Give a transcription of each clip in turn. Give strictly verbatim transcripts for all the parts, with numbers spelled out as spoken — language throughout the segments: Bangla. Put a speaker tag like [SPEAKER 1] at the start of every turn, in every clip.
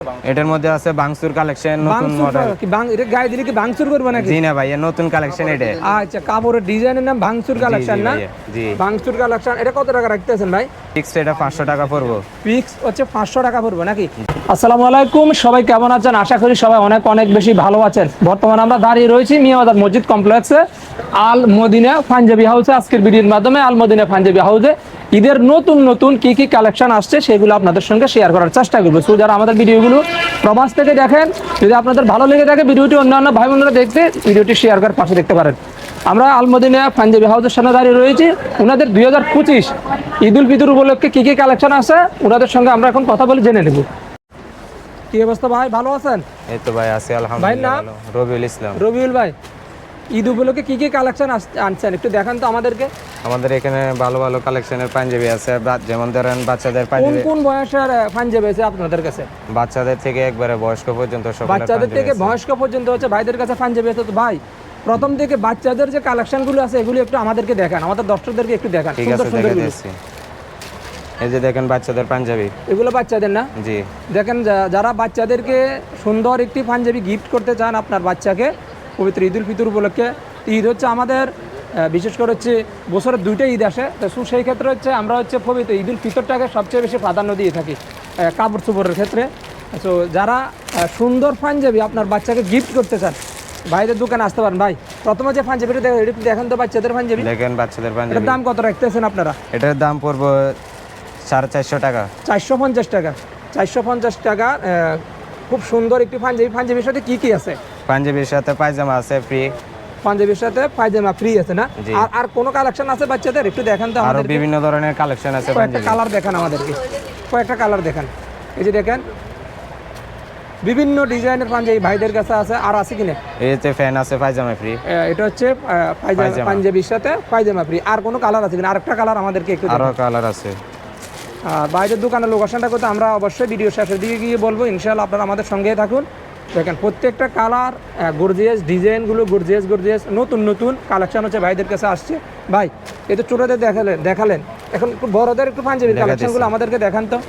[SPEAKER 1] এটার মধ্যে আছে বাংসুর কালেকশন, নতুন মডেল।
[SPEAKER 2] কি বাং এটা গায়ে দিলে কি বাংসুর করবে নাকি?
[SPEAKER 1] জি না ভাই, এর নতুন কালেকশন এটা।
[SPEAKER 2] আচ্ছা, কাপড়ের ডিজাইনের নাম বাংসুর কালেকশন না?
[SPEAKER 1] জি,
[SPEAKER 2] বাংসুর কালেকশন। এটা কত টাকা রাখতেছেন ভাই?
[SPEAKER 1] ফিক্স এটা পাঁচশো টাকা পড়বে।
[SPEAKER 2] ফিক্স হচ্ছে পাঁচশো টাকা পড়বে নাকি? আসসালামু আলাইকুম, সবাই কেমন আছেন? আশা করি সবাই অনেক অনেক বেশি ভালো আছেন। বর্তমানে আমরা দাঁড়িয়ে রয়েছি মিয়াবাজার মসজিদ কমপ্লেক্সে, আল মদিনা পাঞ্জাবি হাউসে। আজকের ভিডিওর মাধ্যমে আল মদিনা পাঞ্জাবি হাউসে ঈদের নতুন নতুন কি কি কালেকশন আসছে সেগুলো আপনাদের সঙ্গে শেয়ার করার চেষ্টা করবো। সো যারা আমাদের ভিডিওগুলো প্রবাস থেকে দেখেন, যদি আপনাদের ভালো লেগে থাকে ভিডিওটি অন্যান্য ভাই বোনেরা দেখতে ভিডিওটি শেয়ার করে পাশে দেখতে পারেন। আমরা আল মদিনা পাঞ্জাবি হাউসের সামনে দাঁড়িয়ে রয়েছি। ওনাদের দুই হাজার পঁচিশ ঈদ উল ফিতর উপলক্ষে কি কি কালেকশন আছে ওনাদের সঙ্গে আমরা এখন কথা বলে জেনে নেব। কি অবস্থা ভাই, ভালো আছেন?
[SPEAKER 1] এই তো ভাই আছি আলহামদুলিল্লাহ। ভালো। রবিউল ইসলাম।
[SPEAKER 2] রবিউল ভাই, ঈদ উপলক্ষে কি কি কালেকশন আনছেন একটু দেখান তো আমাদেরকে।
[SPEAKER 1] আমাদের এখানে ভালো ভালো কালেকশনের পাঞ্জাবি আছে, যেমন ধরেন বাচ্চাদের পাঞ্জাবি।
[SPEAKER 2] কোন কোন বয়সের পাঞ্জাবি আছে আপনাদের কাছে?
[SPEAKER 1] বাচ্চাদের থেকে একবারে বয়স্ক পর্যন্ত সব।
[SPEAKER 2] বাচ্চাদের থেকে বয়স্ক পর্যন্ত হচ্ছে ভাইদের কাছে পাঞ্জাবি আছে। তো ভাই প্রথম থেকে বাচ্চাদের যে কালেকশনগুলো আছে এগুলো একটু আমাদেরকে দেখান, আমাদের দর্শকদেরকে একটু দেখান।
[SPEAKER 1] ঠিক আছে, দেখাচ্ছি। এই যে দেখেন বাচ্চাদের পাঞ্জাবি,
[SPEAKER 2] এগুলো বাচ্চাদের না?
[SPEAKER 1] জি।
[SPEAKER 2] দেখেন যারা বাচ্চাদেরকে সুন্দর একটি পাঞ্জাবি গিফট করতে চান আপনার বাচ্চাকে পবিত্র ঈদ উল ফিতর উপলক্ষে। ঈদ হচ্ছে আমাদের বিশেষ করে হচ্ছে বছরের দুইটা ঈদ আসে, তো সেই ক্ষেত্রে হচ্ছে আমরা হচ্ছে পবিত্র ঈদ উল ফিতরটাকে সবচেয়ে বেশি প্রাধান্য দিয়ে থাকি কাপড় চোপড়ের ক্ষেত্রে। তো যারা সুন্দর পাঞ্জাবি আপনার বাচ্চাকে গিফট করতে চান ভাইদের দোকানে আসতে পারেন। ভাই প্রথমে যে পাঞ্জাবিটা দেখেন তো, বাচ্চাদের পাঞ্জাবি।
[SPEAKER 1] দেখেন বাচ্চাদের পাঞ্জাবি।
[SPEAKER 2] এটার দাম কত রাখতেছেন আপনারা?
[SPEAKER 1] এটার দাম পড়বে সাড়ে চারশো টাকা।
[SPEAKER 2] চারশো পঞ্চাশ টাকা। চারশো পঞ্চাশ টাকা। খুব সুন্দর একটি পাঞ্জাবি। পাঞ্জাবির সাথে কি কি আছে?
[SPEAKER 1] পাঞ্জাবির সাথে পায়জামা আছে ফ্রি।
[SPEAKER 2] পাঞ্জাবির সাথে পায়জামা ফ্রি আছে না? আর আর কোন কালেকশন আছে বাচ্চাদের একটু দেখান তো আমাদের।
[SPEAKER 1] আরো বিভিন্ন ধরনের কালেকশন আছে।
[SPEAKER 2] কয়েকটা কালার দেখান আমাদেরকে, কয়েকটা কালার দেখান। এই যে দেখেন বিভিন্ন ডিজাইনের পাঞ্জাবি ভাইদের কাছে আছে। আর আছে কিনা? এই
[SPEAKER 1] যে ফ্যান আছে, পায়জামা ফ্রি।
[SPEAKER 2] এটা হচ্ছে পায়জামা, পাঞ্জাবির সাথে পায়জামা ফ্রি। আর কোনো কালার আছে কিনা? আরেকটা কালার আমাদেরকে একটু।
[SPEAKER 1] আরো কালার আছে।
[SPEAKER 2] আর বাইরের দোকানের লোকেশনটা করতে আমরা অবশ্যই ভিডিও শেষের দিকে গিয়ে বলবো। ইনশাআল্লাহ আপনারা আমাদের সঙ্গেই থাকুন। দেখেন প্রত্যেকটা কালার গর্জিয়াস, ডিজাইনগুলো গর্জিয়াস গর্জিয়াস, নতুন নতুন কালেকশন হচ্ছে ভাইদের কাছে আসছে। ভাই এই তো ছোটদের দেখালেন দেখালেন এখন বড়দের একটু পাঞ্জাবির কালেকশনগুলো আমাদেরকে দেখান তো।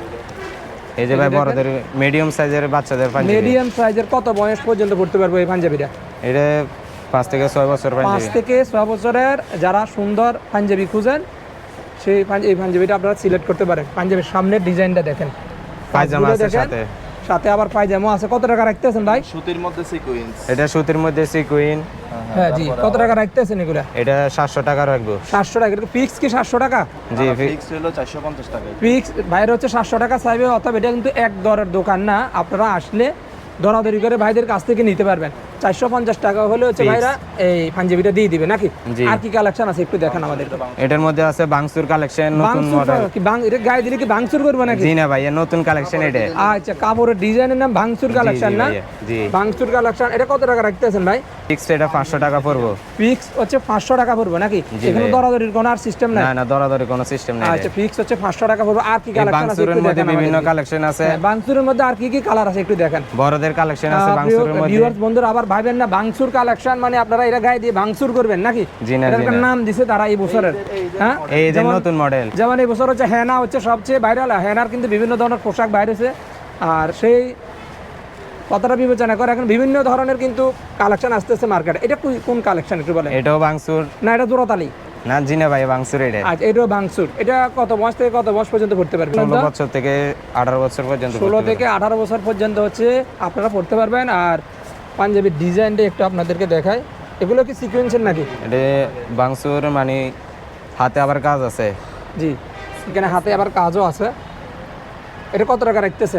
[SPEAKER 1] এই যে ভাই বড়দের মিডিয়াম সাইজের বাচ্চাদের পাঞ্জাবি।
[SPEAKER 2] মিডিয়াম সাইজের কত বয়স পর্যন্ত পড়তে পারবো এই পাঞ্জাবিটা?
[SPEAKER 1] এটা পাঁচ থেকে ছয় বছর পাঞ্জাবি।
[SPEAKER 2] পাঁচ থেকে ছয় বছরের যারা সুন্দর পাঞ্জাবি খুঁজেন সেই এই পাঞ্জাবিটা আপনারা সিলেক্ট করতে পারেন। পাঞ্জাবির সামনের ডিজাইনটা দেখেন,
[SPEAKER 1] পায়জামা আছে সাথে,
[SPEAKER 2] সাথে আবার পায়জামা আছে। কত টাকা রাখতেছেন ভাই?
[SPEAKER 3] সুতির মধ্যে সিকোয়েন্স।
[SPEAKER 1] এটা সুতির মধ্যে সিকোয়েন্স।
[SPEAKER 2] হ্যাঁ জি। কত টাকা রাখতেছেন এগুলা?
[SPEAKER 1] এটা সাতশো টাকা রাখবো।
[SPEAKER 2] সাতশো টাকা। এটা ফিক্স কি সাতশো টাকা?
[SPEAKER 1] জি,
[SPEAKER 3] ফিক্স হলো চারশো পঞ্চাশ টাকা।
[SPEAKER 2] ফিক্স বাইরে হচ্ছে সাতশো টাকা চাইবে। অথবা এটা কিন্তু এক দরের দোকান না, আপনারা আসলে দরাদরি করে ভাইদের কাছ থেকে নিতে পারবেন। চারশো পঞ্চাশ টাকা হলে হচ্ছে ভাইরা এই পাঞ্জাবিটা দিয়ে দিবে নাকি? আর কি কালেকশন আছে একটু দেখান আমাদের।
[SPEAKER 1] এটার মধ্যে আছে বাংসুর কালেকশন, নতুন মডেল।
[SPEAKER 2] কি বাং এটা গায়ে দিলে কি বাংসুর করবে নাকি?
[SPEAKER 1] জি না ভাই, এর নতুন কালেকশন এটা।
[SPEAKER 2] আচ্ছা, কাপড়ের ডিজাইনের নাম বাংসুর কালেকশন না?
[SPEAKER 1] জি,
[SPEAKER 2] বাংসুর কালেকশন। এটা কত টাকা রাখতেছেন ভাই?
[SPEAKER 1] ফিক্স এটা পাঁচশো টাকা পড়বে।
[SPEAKER 2] ফিক্স হচ্ছে পাঁচশো টাকা পড়বে নাকি? এখানে দরাদরির কোনো আর সিস্টেম নাই?
[SPEAKER 1] না না, দরাদরি কোনো সিস্টেম নাই।
[SPEAKER 2] আচ্ছা, ফিক্স হচ্ছে পাঁচশো টাকা পড়বে। আর কি কালেকশন আছে
[SPEAKER 1] বাংসুরের মধ্যে বিভিন্ন কালেকশন আছে।
[SPEAKER 2] বাংসুরের মধ্যে আর কি কি কালার আছে একটু দেখেন।
[SPEAKER 1] বড়দের কালেকশন আছে বাংসুরের মধ্যে।
[SPEAKER 2] ভিউয়ার্স বন্ধুরা আবার ভাবেন না বাংসুর কালেকশন মানে আপনারা এটা গায়ে দিয়ে বাংসুর করবেন নাকি?
[SPEAKER 1] জি না,
[SPEAKER 2] এটার নাম দিছে তারা এই বছরের। হ্যাঁ,
[SPEAKER 1] এই যে নতুন মডেল।
[SPEAKER 2] যেমন এই বছর হচ্ছে হেনা হচ্ছে সবচেয়ে ভাইরাল। হেনার কিন্তু বিভিন্ন ধরনের পোশাক বাইরে হয়েছে। আর সেই কতটা বিবেচনা করে এখন বিভিন্ন ধরনের কিন্তু কালেকশন আসতেছে মার্কেটে। এটা কোন কালেকশন একটু বলেন?
[SPEAKER 1] এটাও বাংসুর
[SPEAKER 2] না, এটা জোড়াতালি
[SPEAKER 1] না? জি না ভাই, বাংসুর এটা।
[SPEAKER 2] আচ্ছা, এটাও বাংসুর। এটা কত বয়স থেকে কত বয়স পর্যন্ত পড়তে পারবেন?
[SPEAKER 1] ষোলো বছর থেকে আঠারো বছর পর্যন্ত।
[SPEAKER 2] ষোলো থেকে আঠারো বছর পর্যন্ত হচ্ছে আপনারা পড়তে পারবেন। আর পাঞ্জাবির ডিজাইনটা একটু আপনাদেরকে দেখায়। এগুলো কি সিকোয়েন্সের নাকি?
[SPEAKER 1] এটা বাংসুর মানে হাতে আবার কাজ আছে।
[SPEAKER 2] জি, এখানে হাতে আবার কাজও আছে। এটা কত টাকা রাখতেছেন?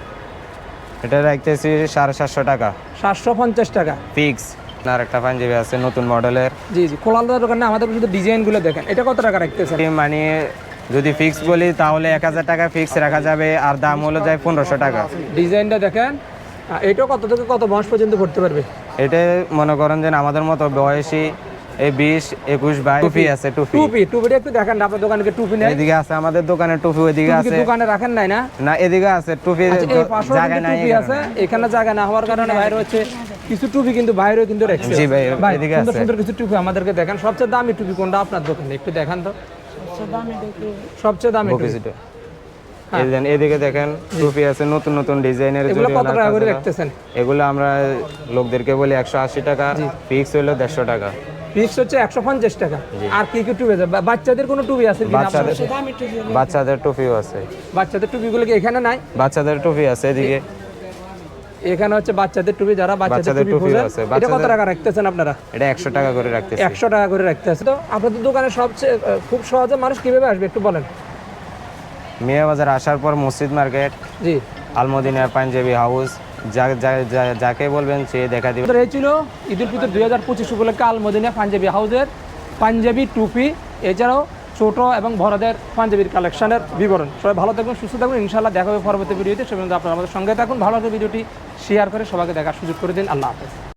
[SPEAKER 1] এটা রাখতেছি সাড়ে সাতশো টাকা।
[SPEAKER 2] সাতশো পঞ্চাশ টাকা
[SPEAKER 1] ফিক্স। আর একটা পাঞ্জাবি আছে নতুন মডেলের।
[SPEAKER 2] জি জি, খোলালদার দোকানে আমাদের শুধু ডিজাইনগুলো দেখেন। এটা কত টাকা রাখতেছেন?
[SPEAKER 1] মানে যদি ফিক্স বলি তাহলে এক হাজার টাকা ফিক্স রাখা যাবে, আর দাম হলো যায় পনেরোশো টাকা।
[SPEAKER 2] ডিজাইনটা দেখেন। এটাও কত থেকে কত বয়স পর্যন্ত পড়তে পারবে?
[SPEAKER 1] এটা মনে করেন যে আমাদের মতো বয়সী এই বিশ একুশ বাইশ। টুপি আছে, টুপি
[SPEAKER 2] টুপি টুপিটা একটু দেখেন। আপনার দোকানে কি টুপি নেই?
[SPEAKER 1] এদিকে আছে আমাদের দোকানে টুপি, ওইদিকে আছে।
[SPEAKER 2] দোকানে রাখেন নাই না?
[SPEAKER 1] না, এদিকে আছে টুপি।
[SPEAKER 2] জায়গা নাই, টুপি আছে এখানে, জায়গা না হওয়ার কারণে বাইরে হচ্ছে কিছু টুপি কিন্তু বাইরেও কিন্তু রাখছে।
[SPEAKER 1] জি ভাই, এদিকে আছে
[SPEAKER 2] সুন্দর সুন্দর কিছু টুপি আমাদেরকে দেখেন। সবচেয়ে দামি টুপি কোনটা আপনার দোকানে একটু দেখান তো। সবচেয়ে দামি টুপি
[SPEAKER 1] এই দেন এদিকে দেখেন টুপি আছে নতুন নতুন ডিজাইনের
[SPEAKER 2] এগুলো কত টাকা করে
[SPEAKER 1] জরিওয়ালা
[SPEAKER 2] রাখতেছেন?
[SPEAKER 1] এগুলো আমরা লোকদেরকে বলি একশো আশি টাকা, ফিক্স হলো দেড়শো টাকা।
[SPEAKER 2] ফিক্স হচ্ছে একশো পঞ্চাশ টাকা। আর কি কি টুপি আছে? বা- বাচ্চাদের কোনো টুপি আছে কি?
[SPEAKER 1] বাচ্চাদের বাচ্চাদের টুপিও আছে,
[SPEAKER 2] বাচ্চাদের টুপিগুলো কি এখানে নাই?
[SPEAKER 1] বাচ্চাদের টুপি আছে এদিকে।
[SPEAKER 2] এখানে হচ্ছে বাচ্চাদের টুপি, যারা বাচ্চাদের
[SPEAKER 1] বাচ্চাদের
[SPEAKER 2] টুপি
[SPEAKER 1] টুপিও
[SPEAKER 2] খোঁজেন,
[SPEAKER 1] আছে,
[SPEAKER 2] এটা কত
[SPEAKER 1] বাচ্চাদের-
[SPEAKER 2] টাকা রাখতেছেন আপনারা?
[SPEAKER 1] এটা একশো টাকা করে রাখতেছি।
[SPEAKER 2] একশো টাকা করে রাখতেছে। তো আপনাদের দোকানে সবচেয়ে আহ, খুব সহজে মানুষ কিভাবে আসবে একটু বলেন।
[SPEAKER 1] মিয়া বাজার আসার পর মসজিদ মার্কেট,
[SPEAKER 2] জি,
[SPEAKER 1] আলমদিনা পাঞ্জাবি হাউস, যা- যা- যা- যাকে বলবেন সে দেখা দিবে।
[SPEAKER 2] আমাদের এই ছিল ঈদ উল ফিতর দুই হাজার পঁচিশ উপলক্ষে আলমদিনা পাঞ্জাবি হাউসের পাঞ্জাবি টুপি, এছাড়াও ছোট এবং বড়দের পাঞ্জাবির কালেকশনের বিবরণ। সবাই ভালো থাকুন, সুস্থ থাকুন, ইনশাআল্লাহ দেখা হবে পরবর্তী ভিডিওতে। সে পর্যন্ত আপনারা আমাদের সঙ্গে থাকুন, ভালো লাগলে ভিডিওটি শেয়ার করে সবাইকে দেখার সুযোগ করে দিন। আল্লাহ হাফেজ।